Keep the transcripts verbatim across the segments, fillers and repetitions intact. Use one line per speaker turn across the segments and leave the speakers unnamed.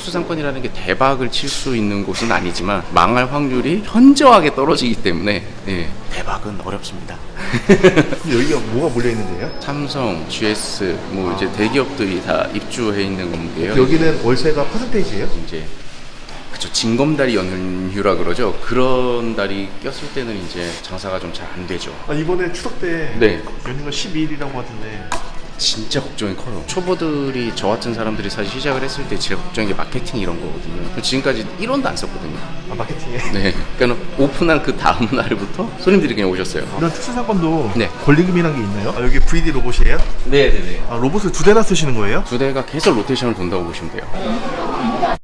특수상권이라는 게 대박을 칠 수 있는 곳은 아니지만 망할 확률이 현저하게 떨어지기 때문에 예, 대박은 어렵습니다.
여기가 뭐가 몰려 있는데요?
삼성, 지에스 뭐 이제 대기업들이 다 입주해 있는 건데요.
여기는 월세가 퍼센테이지예요?
이제 그쵸, 징검다리 연휴라 그러죠. 그런 달이 꼈을 때는 이제 장사가 좀 잘 안 되죠.
아, 이번에 추석 때
네.
연휴가 십이 일이라고 하던데
진짜 걱정이 커요. 초보들이 저 같은 사람들이 사실 시작을 했을 때 제일 걱정인 게 마케팅 이런 거거든요. 지금까지 일 원도 안 썼거든요.
아, 마케팅에?
네. 그러니까 오픈한 그 다음 날부터 손님들이 그냥 오셨어요.
이런 특수상권도
네.
권리금이란 게 있나요? 아, 여기 브이디 로봇이에요?
네네네.
아, 로봇을 두 대나 쓰시는 거예요?
두 대가 계속 로테이션을 돈다고 보시면 돼요.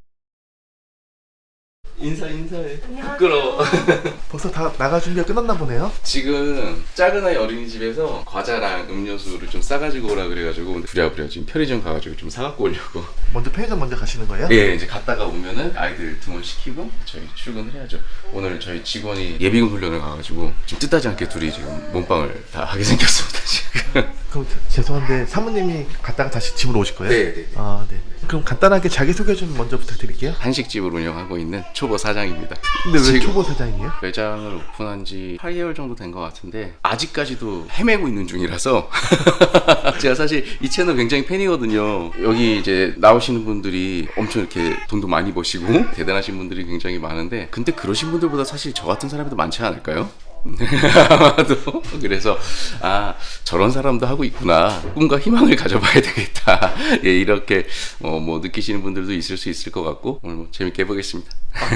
인사 인사해. 부끄러워.
벌써 다 나갈 준비가 끝났나 보네요?
지금 작은 아이 어린이집에서 과자랑 음료수를 좀 싸가지고 오라 그래가지고 부랴부랴 지금 편의점 가가지고 좀 사갖고 오려고.
먼저 편의점 먼저 가시는 거예요?
예, 이제 갔다가 오면은 아이들 등원 시키고 저희 출근을 해야죠. 오늘 저희 직원이 예비군 훈련을 가가지고 좀 뜻하지 않게 둘이 지금 몸빵을 다 하게 생겼습니다 지금.
그럼 죄송한데 사모님이 갔다가 다시 집으로 오실 거예요?
네, 네.
아, 네. 그럼 간단하게 자기소개 좀 먼저 부탁드릴게요.
한식집을 운영하고 있는 초보 사장입니다.
근데 왜
지금
초보 사장이에요?
매장을 오픈한 지 팔 개월 정도 된 것 같은데 아직까지도 헤매고 있는 중이라서 제가 사실 이 채널 굉장히 팬이거든요. 여기 이제 나오시는 분들이 엄청 이렇게 돈도 많이 버시고 대단하신 분들이 굉장히 많은데 근데 그러신 분들보다 사실 저 같은 사람이 더 많지 않을까요? 아마도 그래서 아 저런 사람도 하고 있구나, 꿈과 희망을 가져봐야 되겠다. 예, 이렇게 어, 뭐 느끼시는 분들도 있을 수 있을 것 같고 오늘 뭐 재밌게 해보겠습니다.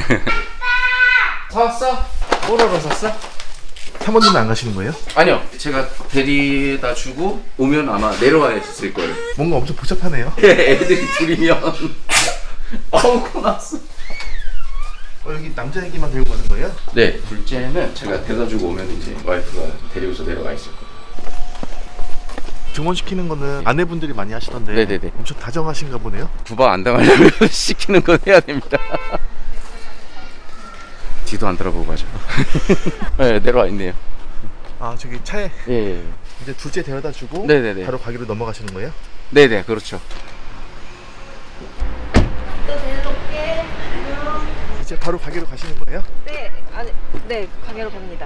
사왔어? 뽀로로 샀어?
사모님은 안 가시는 거예요?
아니요, 제가 데리다 주고 오면 아마 내려와 있을 거예요.
뭔가 엄청 복잡하네요.
애들이 둘이면 어우 고났어.
어, 여기 남자애기만 들고 가는 거예요?
네, 둘째는 제가 데려다 주고 오면 이제 와이프가 데리고서 내려가 있을 거예요.
등원시키는 거는 아내분들이 많이 하시던데
네네네.
엄청 다정하신가 보네요?
구박 안 당하려면 시키는 건 해야 됩니다. 뒤도 안 돌아보고 가죠. 네, 내려와 있네요.
아, 저기 차에
예, 예.
이제 둘째 데려다 주고
네네네.
바로 가기로 넘어가시는 거예요?
네네, 그렇죠.
또 내려올게. 안녕.
이제 바로 가기로 가시는 거예요?
네, 아니, 네, 가게로 갑니다.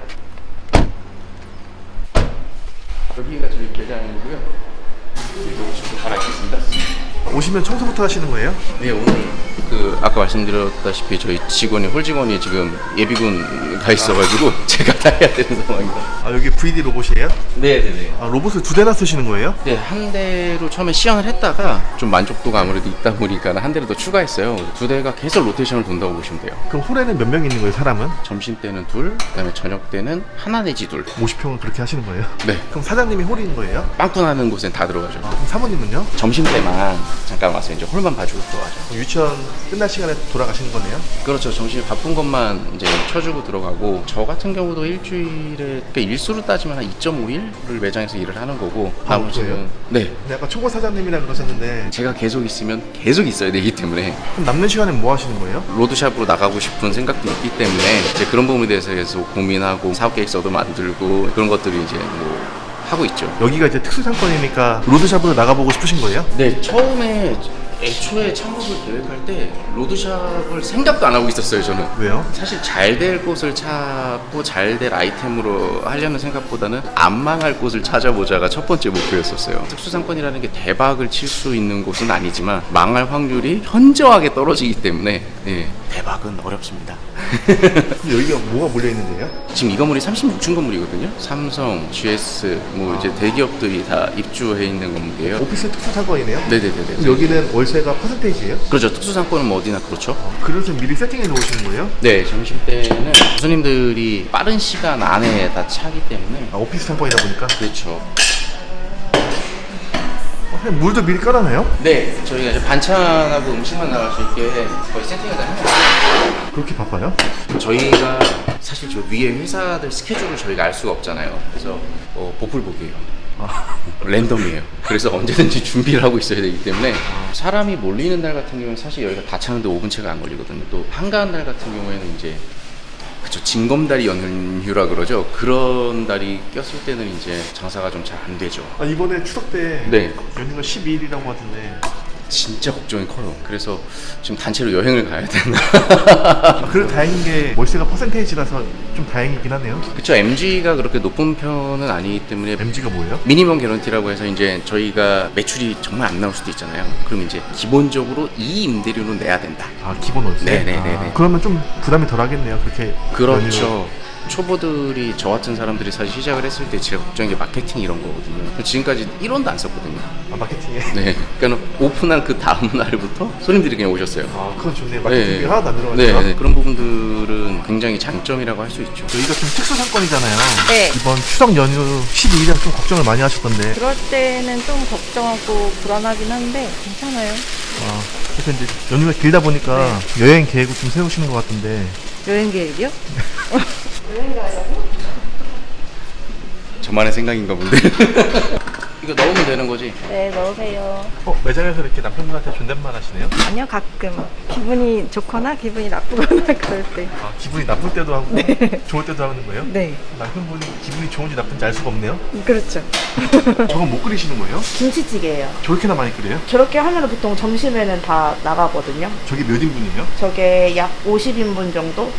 여기가 저희 매장이고요. 이쪽으로 좀 갈아입겠습니다.
오시면 청소부터 하시는 거예요?
네, 오늘 그 아까 말씀드렸다시피 저희 직원이 홀 직원이 지금 예비군 가 있어가지고 제가 다 해야 되는 상황입니다.
아, 여기 브이디 로봇이에요?
네네네.
아, 로봇을 두 대나 쓰시는 거예요?
네, 한 대로 처음에 시연을 했다가 좀 만족도가 아무래도 있다 보니까 한 대를 더 추가했어요. 두 대가 계속 로테이션을 돈다고 보시면 돼요.
그럼 홀에는 몇 명 있는 거예요, 사람은?
점심 때는 둘, 그다음에 저녁 때는 하나 내지 둘.
오십 평을 그렇게 하시는 거예요?
네,
그럼 사장님이 홀인 거예요?
빵꾸나는 곳엔 다 들어가죠.
아, 그럼 사모님은요?
점심 때만 잠깐 와서 이제 홀만 봐주고 들어가죠.
그럼 유치원 끝날 시간에 돌아가시는 거네요?
그렇죠. 점심에 바쁜 것만 이제 쳐주고 들어가고, 저 같은 경우도 일주일에 그러니까 일수로 따지면 한 이 점 오 일을 매장에서 일을 하는 거고,
아,
나머지는
그래요?
네,
근데 아까 초보 사장님이라 그러셨는데
제가 계속 있으면 계속 있어야 되기 때문에
그럼 남는 시간에 뭐 하시는 거예요?
로드샵으로 나가고 싶은 생각도 있기 때문에 이제 그런 부분에 대해서 계속 고민하고 사업 계획서도 만들고 그런 것들을 이제 뭐 하고 있죠.
여기가 이제 특수상권이니까 로드샵으로 나가보고 싶으신 거예요?
네, 처음에 애초에 창업을 계획할 때 로드샵을 생각도 안 하고 있었어요, 저는.
왜요?
사실 잘 될 곳을 찾고 잘 될 아이템으로 하려는 생각보다는 안 망할 곳을 찾아보자가 첫 번째 목표였었어요. 특수상권이라는 게 대박을 칠 수 있는 곳은 아니지만 망할 확률이 현저하게 떨어지기 때문에 예, 대박은 어렵습니다.
근데 여기가 뭐가 몰려 있는데요?
지금 이 건물이 삼십육 층 건물이거든요. 삼성, 지에스 뭐 이제 대기업들이 다 입주해 있는 건물이에요.
오피스 특수상권이네요?
네네네네.
그럼 여기는 월세가 퍼센테이지예요?
그렇죠. 특수상권은 뭐 어디나 그렇죠.
그릇은 미리 세팅해 놓으시는 거예요?
네, 점심 때는 손님들이 빠른 시간 안에 다 차기 때문에.
아, 오피스 상권이다 보니까
그렇죠.
어, 그냥 물도 미리 깔아놔요?
네, 저희가 이제 반찬하고 음식만 나갈 수 있게 거의 세팅을 다 해놨어요.
그렇게 바빠요?
저희가 사실 저 위에 회사들 스케줄을 저희가 알 수가 없잖아요. 그래서 어, 보풀복이에요.
아,
랜덤이에요. 그래서 언제든지 준비를 하고 있어야 되기 때문에 사람이 몰리는 날 같은 경우는 사실 여기가 다 차는데 오 분 채가 안 걸리거든요. 또 한가한 날 같은 경우에는 이제 그쵸, 징검다리 연휴라 그러죠. 그런 달이 꼈을 때는 이제 장사가 좀 잘 안 되죠.
아, 이번에 추석 때
네.
연휴가 십이 일이라고 하던데
진짜 걱정이 커요. 그래서 지금 단체로 여행을 가야 되나.
그래도 다행인 게 월세가 퍼센테이지라서 좀 다행이긴 하네요.
그쵸. 엠지가 그렇게 높은 편은 아니기 때문에
엠지가 뭐예요?
미니멈 개런티라고 해서 이제 저희가 매출이 정말 안 나올 수도 있잖아요. 그럼 이제 기본적으로 이 임대료는 내야 된다.
아 기본 월세?
네네네네.
아, 그러면 좀 부담이 덜 하겠네요. 그렇게
그렇죠.
연휴.
초보들이 저 같은 사람들이 사실 시작을 했을 때 제일 걱정인 게 마케팅 이런 거거든요. 지금까지 일 원도 안 썼거든요.
아 마케팅에?
네. 그러니까 오픈한 그 다음 날부터 손님들이 그냥 오셨어요.
아 그건 좋네요. 마케팅이
네.
하나도 안 들어가니까.
네, 네. 그런 부분들은 굉장히 장점이라고 할 수 있죠.
저희가 좀 특수 상권이잖아요.
네.
이번 추석 연휴 십이 일이라 좀 걱정을 많이 하셨던데.
그럴 때는 좀 걱정하고 불안하긴 한데 괜찮아요.
아, 그래서 이제 연휴가 길다 보니까 여행 계획을 좀 세우시는 것 같은데.
여행 계획이요?
저만의 생각인가 본데. 이거 넣으면 되는 거지?
네, 넣으세요.
어 매장에서 이렇게 남편분한테 존댓말 하시네요?
아니요, 가끔 기분이 좋거나 기분이 나쁘거나 그럴 때.
아 기분이 나쁠 때도 하고 좋을 때도 하는 거예요?
네,
남편분이 기분이 좋은지 나쁜지 알 수가 없네요.
그렇죠.
저건 못 끓이시는 거예요?
김치찌개예요.
저렇게나 많이 끓여요?
저렇게 하면 보통 점심에는 다 나가거든요.
저게 몇 인분이에요?
저게 약 오십 인분 정도?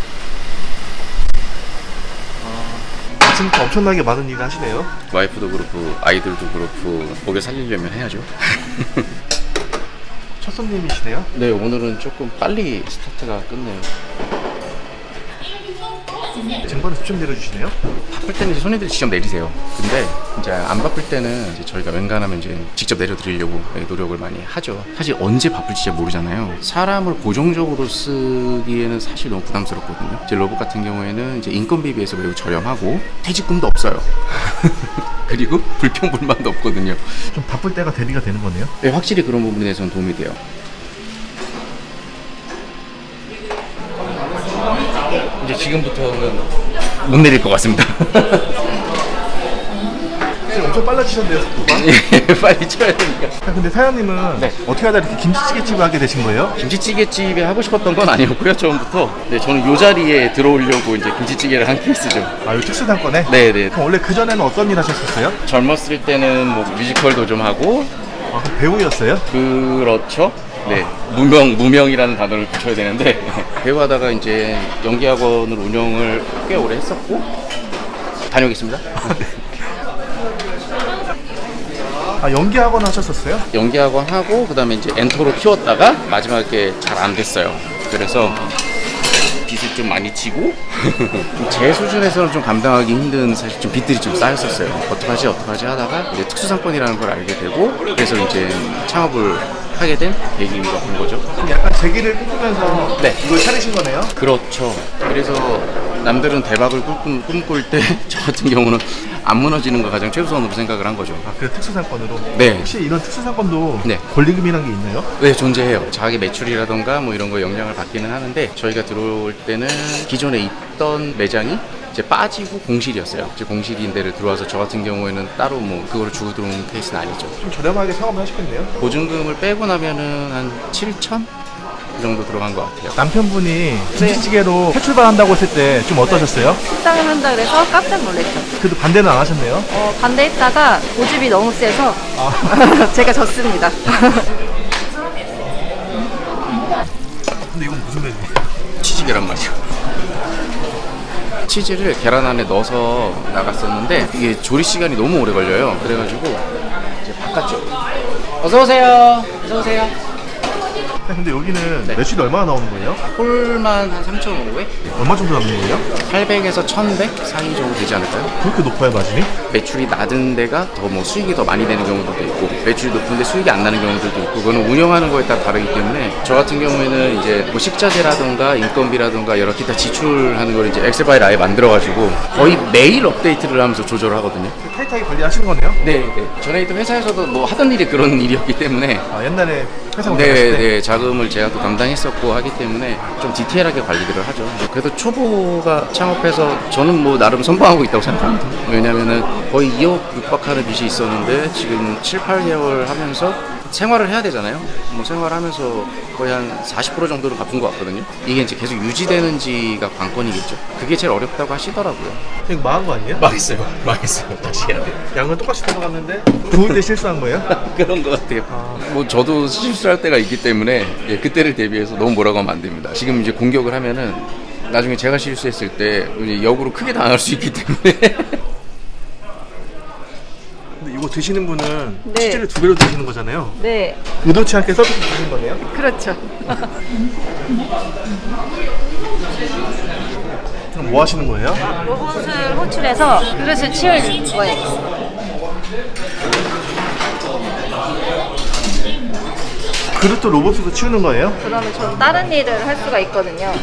아침부터 엄청나게 많은 일을 하시네요.
와이프도 그렇고 아이들도 그렇고 먹여 살리려면 해야죠.
첫 손님이시네요?
네, 오늘은 조금 빨리 스타트가 끝내요.
쟁반에 수첩 내려주시네요?
바쁠 때는 이제 손님들이 직접 내리세요. 근데 이제 안 바쁠 때는 이제 저희가 웬간하면 이제 직접 내려드리려고 노력을 많이 하죠. 사실 언제 바쁠지 잘 모르잖아요. 사람을 고정적으로 쓰기에는 사실 너무 부담스럽거든요. 이제 로봇 같은 경우에는 이제 인건비에 비해서 매우 저렴하고 퇴직금도 없어요. 그리고 불평불만도 없거든요.
좀 바쁠 때가 대비가 되는 거네요?
네, 확실히 그런 부분에 대해서는 도움이 돼요. 이제 지금부터는 못 내릴 것 같습니다.
지금 엄청 빨라지셨네요, 속도가.
예, 빨리 쳐야 되니까.
아, 근데 사장님은
네.
어떻게 하다 이렇게 김치찌개집을 하게 되신 거예요?
김치찌개집에 하고 싶었던 건 아니었고요, 처음부터. 네, 저는 이 자리에 들어오려고 이제 김치찌개를 한 케이스죠.
아, 이 특수상권에?
네네.
그럼 원래 그전에는 어떤 일 하셨었어요?
젊었을 때는 뭐 뮤지컬도 좀 하고,
아, 그럼 배우였어요?
그렇죠. 네, 무명, 무명이라는 단어를 붙여야 되는데, 배우하다가 이제 연기학원을 운영을 꽤 오래 했었고, 다녀오겠습니다.
아, 연기학원 하셨었어요?
연기학원 하고, 그 다음에 이제 엔터로 키웠다가, 마지막에 잘 안 됐어요. 그래서, 빚을 좀 많이 지고, 제 수준에서는 좀 감당하기 힘든 사실 좀 빚들이 좀 쌓였었어요. 어떡하지, 어떡하지 하다가, 이제 특수상권이라는 걸 알게 되고, 그래서 이제 창업을 하게 된 계기가 된 거죠.
그럼 약간 재기를 꿈꾸면서
네.
이걸 차리신 거네요?
그렇죠. 그래서 남들은 대박을 꿈, 꿈꿀 때 저 같은 경우는 안 무너지는 거 가장 최우선으로 생각을 한 거죠.
아, 그래 특수상권으로?
네.
혹시 이런 특수상권도
네.
권리금이라는 게 있나요?
네, 존재해요. 자기 매출이라던가 뭐 이런 거 영향을 받기는 하는데 저희가 들어올 때는 기존에 있던 매장이 이제 빠지고 공실이었어요. 이제 공실인 데를 들어와서 저 같은 경우에는 따로 뭐 그거를 주고 들어온 케이스는 아니죠.
좀 저렴하게 창업을 하셨겠네요?
보증금을 빼고 나면은 한 칠천? 그 정도 들어간 것 같아요.
남편분이 김치찌개로 새 출발한다고 했을 때 좀 어떠셨어요?
식당을 한다 그래서 깜짝 놀랐죠.
그래도 반대는 안 하셨네요?
어, 반대했다가 고집이 너무 세서 제가 졌습니다.
근데 이건 무슨 메뉴예요?
치즈 계란 맛이요. 치즈를 계란 안에 넣어서 나갔었는데 이게 조리 시간이 너무 오래 걸려요. 그래가지고 이제 바꿨죠. 어서 오세요. 어서 오세요.
근데 여기는
네.
매출이 얼마나 나오는 거예요?
홀만 한 삼천오백?
얼마 정도 남는 거예요?
팔백에서 천백 사이 정도 되지 않을까요?
그렇게 높아요 마진이?
매출이 낮은 데가 더 뭐 수익이 더 많이 되는 경우들도 있고 매출이 높은데 수익이 안 나는 경우들도 있고 그거는 운영하는 거에 따라 다르기 때문에 저 같은 경우에는 이제 뭐 식자재라던가 인건비라던가 여러 기타 지출하는 걸 이제 엑셀 파일 아예 만들어가지고 거의 매일 업데이트를 하면서 조절을 하거든요.
타이트하게 관리하시는 거네요?
네, 네. 전에 있던 회사에서도 뭐 하던 일이 그런 일이었기 때문에
아 옛날에 회사
네,
운영하실 때?
네, 자금을 제가 또 담당했었고 하기 때문에 좀 디테일하게 관리들을 하죠. 그래도 초보가 창업해서 저는 뭐 나름 선방하고 있다고 생각합니다. 왜냐면은 거의 이억 육박하는 빚이 있었는데 지금 칠, 팔 개월 하면서 생활을 해야 되잖아요. 뭐 생활하면서 거의 한 사십 퍼센트 정도를 갚은 것 같거든요. 이게 이제 계속 유지되는지가 관건이겠죠. 그게 제일 어렵다고 하시더라고요.
그냥 망한 거 아니에요?
망했어요. 망했어요. 다시 해야 돼요.
양은 똑같이 들어갔는데 구울 때 실수한 거예요?
그런 것 같아요. 뭐 저도 실수할 때가 있기 때문에 예, 그때를 대비해서 너무 뭐라고 하면 안 됩니다. 지금 이제 공격을 하면은 나중에 제가 실수했을 때 이제 역으로 크게 당할 수 있기 때문에.
근데 이거 드시는 분은
네.
치즈를 두 배로 드시는 거잖아요.
네,
의도치 않게 서비스 주신 거네요?
그렇죠.
그럼 뭐 하시는 거예요?
로봇을 호출해서 그릇을 치울 거예요.
그릇도 로봇으로 치우는 거예요?
그러면 전 다른 일을 할 수가 있거든요.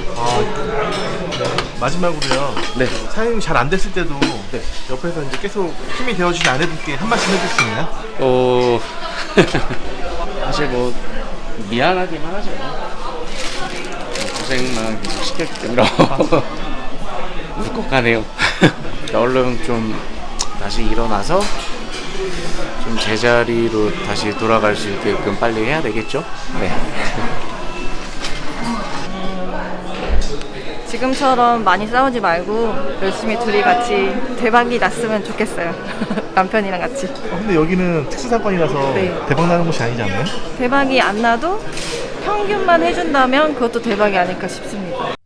마지막으로요.
네.
사장님이 잘 안 됐을 때도 옆에서 이제 계속 힘이 되어주신 아내분께 한 말씀 해줄 수 있나요?
어 사실 뭐 미안하기만 하죠. 고생만 계속 시켰기 때문에 울컥하네요. 얼른 좀 다시 일어나서 좀 제자리로 다시 돌아갈 수 있게끔 빨리 해야 되겠죠? 네.
지금처럼 많이 싸우지 말고 열심히 둘이 같이 대박이 났으면 좋겠어요. 남편이랑 같이.
어, 근데 여기는 특수사건이라서
네.
대박 나는 곳이 아니지 않나요?
대박이 안 나도 평균만 해준다면 그것도 대박이 아닐까 싶습니다.